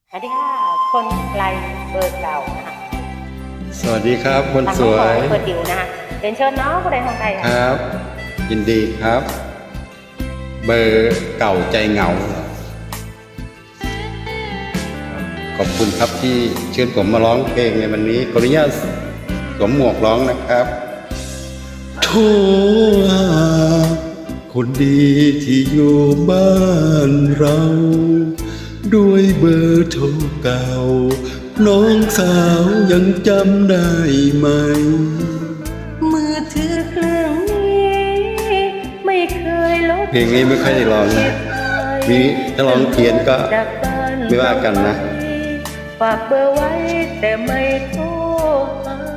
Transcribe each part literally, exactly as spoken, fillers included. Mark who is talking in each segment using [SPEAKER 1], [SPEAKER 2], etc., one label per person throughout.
[SPEAKER 1] สวัสดีค่ะคนไกลเบอร์เก่านะคะ
[SPEAKER 2] สวัสดีครับคนสวย
[SPEAKER 1] เบอร์จิ๋วนะคะเรียนเชิญน้องผู้ใดทางใด
[SPEAKER 2] ครับ ยินดีครับ เบอร์เก่าใจเหงาขอบคุณครับที่เชิญผมมาร้องเพลงในวันนี้ขออนุญาตสวมหมวกร้องนะครับโทรหาคนดีที่อยู่บ้านเราด้วยเบอร์โทรเก่าน้องสาวยังจำได้ไหม
[SPEAKER 1] มือถือเครื่องนี้ไม่เคยลบ
[SPEAKER 2] เพลงนี้ไม่ค่อยได้ร้องนะมีถ้าร้องเพี้ยนก็ไม่ว่ากันนะ
[SPEAKER 1] ฝากเบอร์ไว้แต่ไม่โทรหา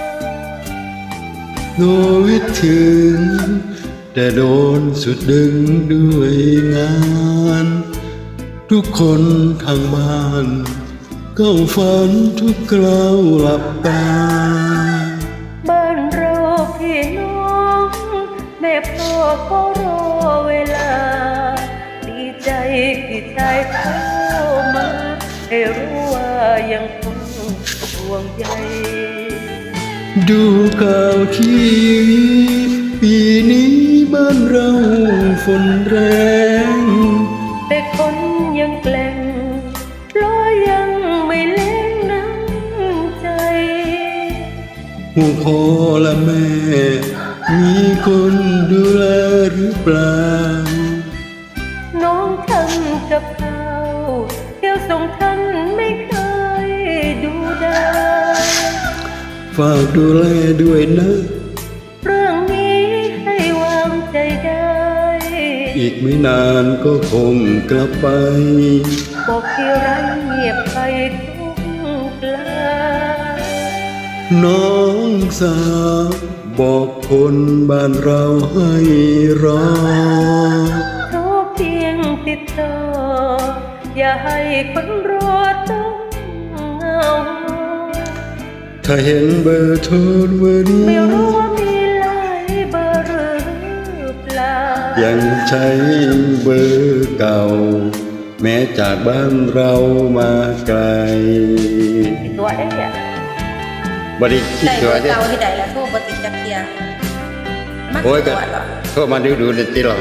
[SPEAKER 2] โน้ยถึงแต่โดนสุดดึงด้วยงานทุกคนทางบ้านก็ฝันทุกคราวหลับตา
[SPEAKER 1] บ้านเราพี่น้องแม่พ่อก็รอเวลาดีใจพี่ชายเข้ามาให้รู้ว่ายังคงห่วงใย
[SPEAKER 2] ดูข่าวทีวีปีนี้บ้านเราฝนแรง
[SPEAKER 1] แต่คนยังแกล้งเพราะยังไม่เล่นน้ำใจ
[SPEAKER 2] ห่วงพ่อและแม่มีคนดูแลหรือเปล่า
[SPEAKER 1] น้องทำกับข้าวเที่ยวส่งท่านไม่เคยดูได้
[SPEAKER 2] ฝากดูแลด้วยนะ
[SPEAKER 1] เรื่องนี้ให้วางใจได้
[SPEAKER 2] อีกไม่นานก็คงกลับไป
[SPEAKER 1] บอกที่ไรเงียบไปทุกกลา
[SPEAKER 2] น้องสาวบอกคนบ้านเราให้รอ
[SPEAKER 1] โทรเพียงติดต่ออย่าให้คนรอต้องเหงา
[SPEAKER 2] ถ้าเห็นเบอร์โทรเบอร์นี้
[SPEAKER 1] ไม่รู้ว่ามีหลายเบอร์หรือเปล่า
[SPEAKER 2] ยังใช้เบอร์เก่าแม้จากบ้านเรามาไกล
[SPEAKER 1] ตัวเอ๊ะ
[SPEAKER 2] บริคิดตัว
[SPEAKER 3] เก่าที่ใดแล้วโทษบติจักเทีย
[SPEAKER 2] โอ้ยก็โทษมาดูดูเลยที่เรา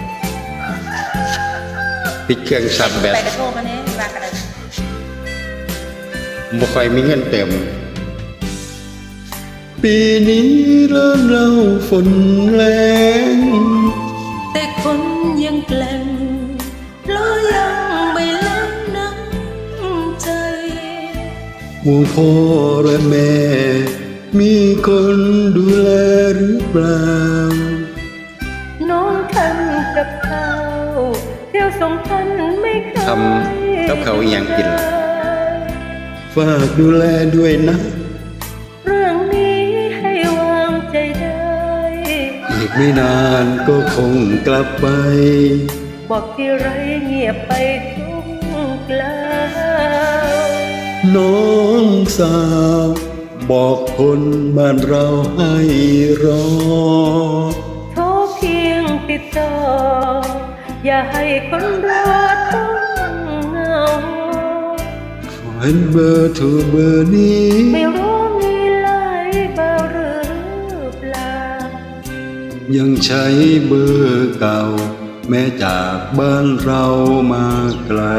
[SPEAKER 2] ปิดเครื่องซับแบบ
[SPEAKER 3] ไปกระโทษมาเนี่ยว่ากระไร
[SPEAKER 2] บ่ค่อยมีเงินเต็มปีนี้เริ่มเล่าฝนแรง
[SPEAKER 1] แต่คนยังแกล้งเพราะยังไม่เล่นน้ำใจ
[SPEAKER 2] ห่วงพ่อและแม่มีคนดูแลหรือเปล่า
[SPEAKER 1] น้องทำกับข้าวเที่ยวส่งท่านไม่เคย
[SPEAKER 2] ทำกับเขาอย่างกินฝากดูแลด้วยนะ
[SPEAKER 1] เรื่องนี้ให้วางใจได้
[SPEAKER 2] อีกไม่นานก็คงกลับไป
[SPEAKER 1] บอกที่ไรเงียบไปทุกกลาว
[SPEAKER 2] น้องสาวบอกคนบ้านเราให้รอ
[SPEAKER 1] โทรเพียงติดต่ออย่าให้คนรอต้องเหงา
[SPEAKER 2] เห็นเบอร์โทรเบอร์นี้
[SPEAKER 1] ไม่รู้มีหลายเบอร์หรือเปล่า
[SPEAKER 2] ยังใช้เบอร์เก่าแม้จากบ้านเรามาไกล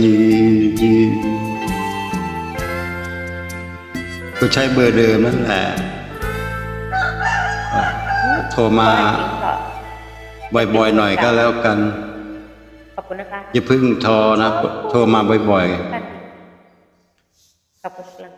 [SPEAKER 2] ก็ใช้เบอร์เดิมนั่นแหละโทรมาบ่อยๆหน่อยก็แล้วกัน
[SPEAKER 1] ขอบคุณนะคะ
[SPEAKER 2] อย่าเพิ่งโทรนะโทรมาบ่อยๆ
[SPEAKER 1] ขอบคุณ